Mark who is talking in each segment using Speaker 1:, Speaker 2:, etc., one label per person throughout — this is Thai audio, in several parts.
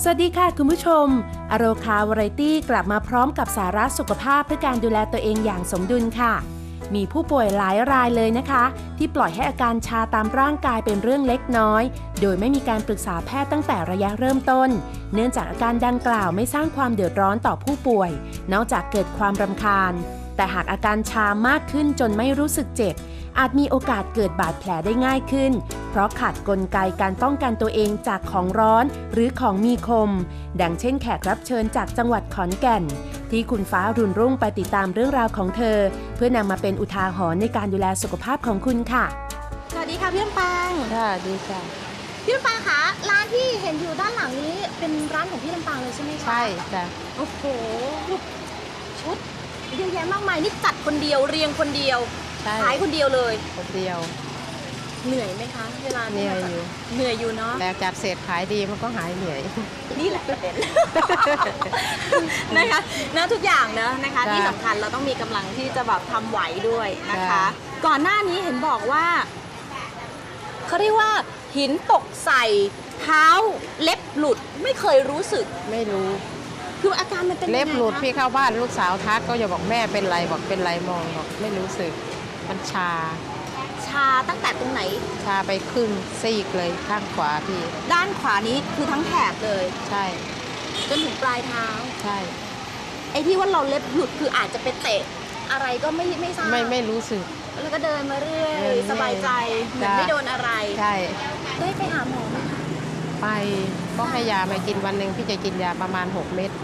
Speaker 1: สวัสดีค่ะคุณผู้ชมอโรคาวาไรตี้กลับมาพร้อมกับสาระสุขภาพเพื่อการดูแลตัวเองอย่างสมดุลค่ะมีผู้ป่วยหลายรายเลยนะคะที่ปล่อยให้อาการชาตามร่างกายเป็นเรื่องเล็กน้อยโดยไม่มีการปรึกษาแพทย์ตั้งแต่ระยะเริ่มต้นเนื่องจากอาการดังกล่าวไม่สร้างความเดือดร้อนต่อผู้ป่วยนอกจากเกิดความรำคาญแต่หากอาการชามากขึ้นจนไม่รู้สึกเจ็บอาจมีโอกาสเกิดบาดแผลได้ง่ายขึ้นเพราะขาดกลไกการป้องกันตัวเองจากของร้อนหรือของมีคมดังเช่นแขกรับเชิญจากจังหวัดขอนแก่นที่คุณฟ้ารุ่นรุ่งไปติดตามเรื่องราวของเธอเพื่อนำมาเป็นอุทาหรณ์ในการดูแลสุขภาพของคุณค่ะ
Speaker 2: สวัสดีค่ะพี่ลำปาง
Speaker 3: ค่ะดีจ้ะ
Speaker 2: พี่ลำปางคะร้านที่เห็นอยู่ด้านหลังนี้เป็นร้านของพี่ลำปางเลยใช่ไหมคะ
Speaker 3: ใช่จ้ะ
Speaker 2: โอ้โหชุดเยอะแยะมากมายนี่จัดคนเดียวเรียงคนเดียวขายคนเดียวเลย
Speaker 3: คนเดียว
Speaker 2: เหนื่อยไหมคะเวลา
Speaker 3: เหนื่อยอยู่
Speaker 2: เนาะ
Speaker 3: แต่จัดเสร็จขายดีมันก็หายเหนื่อย
Speaker 2: นี่แหละประเด็นนะคะนะทุกอย่างนะคะที่สำคัญเราต้องมีกำลังที่จะแบบทำไหวด้วยนะคะก่อนหน้านี้เห็นบอกว่าเขาเรียกว่าหินตกใส่เท้าเล็บหลุดไม่เคยรู้สึก
Speaker 3: ไม่รู้
Speaker 2: คืออาการมันเป็น
Speaker 3: เล็บหลุดพี่เข้าบ้านลูกสาวทักก็อย่าบอกแม่เป็นไรบอกเป็นไรมองบอกไม่รู้สึกมันชา
Speaker 2: ตั้งแต่ตรงไหน
Speaker 3: ชาไปครึ่งซีกเลยข้างขวาพี่
Speaker 2: ด้านขวานี้คือทั้งแถบเลย
Speaker 3: ใช่
Speaker 2: จนถึงปลายเท้า
Speaker 3: ใช่
Speaker 2: ไอ้ที่ว่าเราเล็บหลุดคืออาจจะไปเตะอะไรก็ไม่ทราบ
Speaker 3: ไม่รู้สึก
Speaker 2: แล้วก็เดินมาเรื่อยสบายใจเหมือนไม่โดนอะไร
Speaker 3: ใช่
Speaker 2: ได้ไปหาหมอไหมคะ
Speaker 3: ไปก็ให้ยามากินวันหนึ่งพี่จะกินยาประมาณ6 เม็ด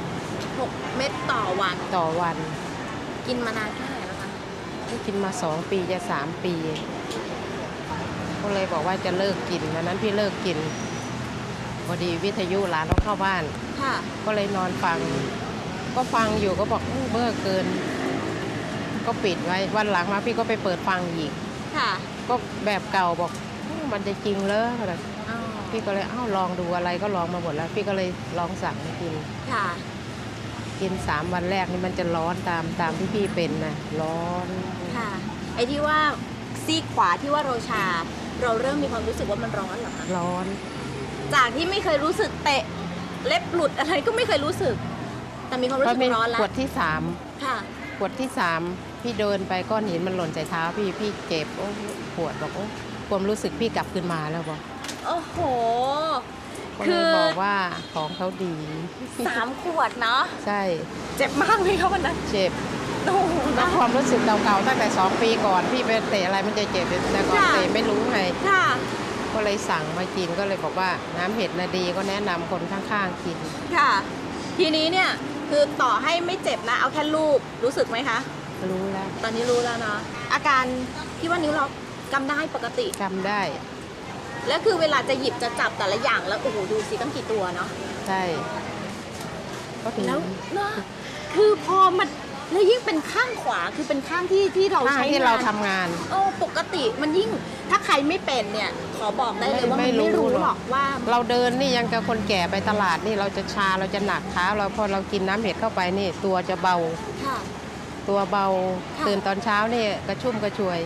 Speaker 2: 6 เม็ดต่อวันกินมานานแค่ไหนแล้วคะ
Speaker 3: กินมา2 ปีจะ3 ปีก็เลยบอกว่าจะเลิกกินวันนั้นพี่เลิกกินพอดีวิทยุหลานเราเข้าบ้านก็เลยนอนฟังก็ฟังอยู่ก็บอกเบื่อเกินก็ปิดไว้วันหลังมาพี่ก็ไปเปิดฟังอีกก็แบบเก่าบอกมันจะจริงเลยพี่ก็เลยลองดูอะไรก็ลองมาหมดแล้วพี่ก็เลยลองสั่งมากิน3 วันแรกนี่มันจะร้อนตามที่พี่เป็นนะร้อน
Speaker 2: ไอ้ที่ว่าซีกขวาที่ว่าเราเริ่มมีความรู้สึกว่ามันร้อนเหรอคะ
Speaker 3: ร้อน
Speaker 2: จากที่ไม่เคยรู้สึกเตะเล็บหลุดอะไรก็ไม่เคยรู้สึกแต่มีความรู้สึกร้อนแล้ว
Speaker 3: ขวดที่3ขวดที่3พี่เดินไปก้อนหินมันหล่นใส่เท้าพี่เจ็บปวดบอกความรู้สึกพี่กลับขึ้นมาแล้วบอก
Speaker 2: โอ้โห
Speaker 3: คือบอกว่าของเขาดี
Speaker 2: 3 ขวดเนาะ
Speaker 3: ใช่
Speaker 2: เจ็บมากไหมคะวันนั้น
Speaker 3: เจ็บแล้วความรู้สึกเก่าๆตั้งแต่2 ปีก่อนพี่ไปเตะอะไรมันจะเจ็บแต่ก่อนเตะไม่รู้ไงก็เลยสั่งมากินก็เลยบอกว่าน้ำเห็ดน่ะดีก็แนะนำคนข้างๆกิน
Speaker 2: ค่ะทีนี้เนี่ยคือต่อให้ไม่เจ็บนะเอาแค่ลูบรู้สึกไหมคะ
Speaker 3: รู้แล้ว
Speaker 2: ตอนนี้รู้แล้วเนาะอาการที่ว่านิ้วเรากำได้ปกติ
Speaker 3: กำได้
Speaker 2: แล้วคือเวลาจะหยิบจะจับแต่ละอย่างแล้วโอ้โหดูสิตั้งกี่ตัวเนาะ
Speaker 3: ใช่
Speaker 2: ก็ถึงแล้วเนาะคือพอมันแล้วยิ่งเป็นข้างขวาคือเป็นข้างที่เราใช้
Speaker 3: ที่เราทำงาน
Speaker 2: ปกติมันยิ่งถ้าใครไม่เป็นเนี่ยขอบอกได้เลยว่ามันไม่รู้หรอกว่า
Speaker 3: เราเดินนี่ยังกับคนแก่ไปตลาดนี่เราจะชาเราจะหนักเท้าเราพอเรากินน้ำเห็ดเข้าไปนี่ตัวจะเบาตัวเบาตื่นตอนเช้านี่กระชุ่มกระชวย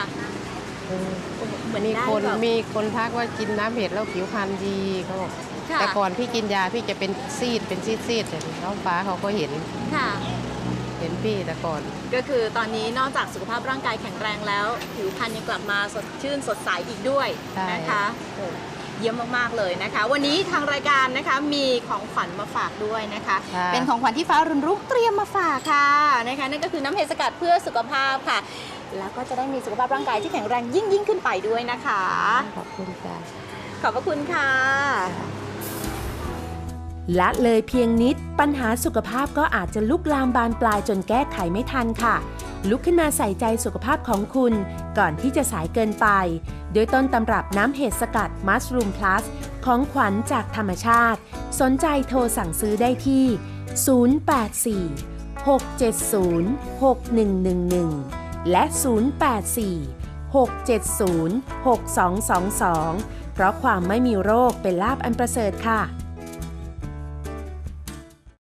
Speaker 3: มีคนทักว่ากินน้ำเห็ดแล้วผิวพรรณดีเขาบอกแต่ก่อนพี่กินยาพี่จะเป็นซีดน้องฟ้าเขาก็เห็นพี่แต่ก่อน
Speaker 2: ก็คือตอนนี้นอกจากสุขภาพร่างกายแข็งแรงแล้วผิวพรรณยังกลับมาสดชื่นสดใสอีกด้วยนะคะเยี่ยมมากๆเลยนะคะวันนี้ทางรายการนะคะมีของขวัญมาฝากด้วยนะคะเป็นของขวัญที่ฟ้ารุ่นรุ่งเตรียมมาฝากค่ะนะคะนั่นก็คือน้ำเห็ดสกัดเพื่อสุขภาพค่ะแล้วก็จะได้มีสุขภาพร่างกายที่แข็งแรงยิ่งขึ้นไปด้วยนะคะ
Speaker 3: ขอบคุณค่ะ
Speaker 2: ขอบพระคุณค่ะ
Speaker 1: ละเลยเพียงนิดปัญหาสุขภาพก็อาจจะลุกลามบานปลายจนแก้ไขไม่ทันค่ะลุกขึ้นมาใส่ใจสุขภาพของคุณก่อนที่จะสายเกินไปโดยต้นตำรับน้ำเห็ดสกัดมัสรูมพลัสของขวัญจากธรรมชาติสนใจโทรสั่งซื้อได้ที่084 670 6111และ084 670 6222เพราะความไม่มีโรคเป็นลาภอันประเสริฐค่ะ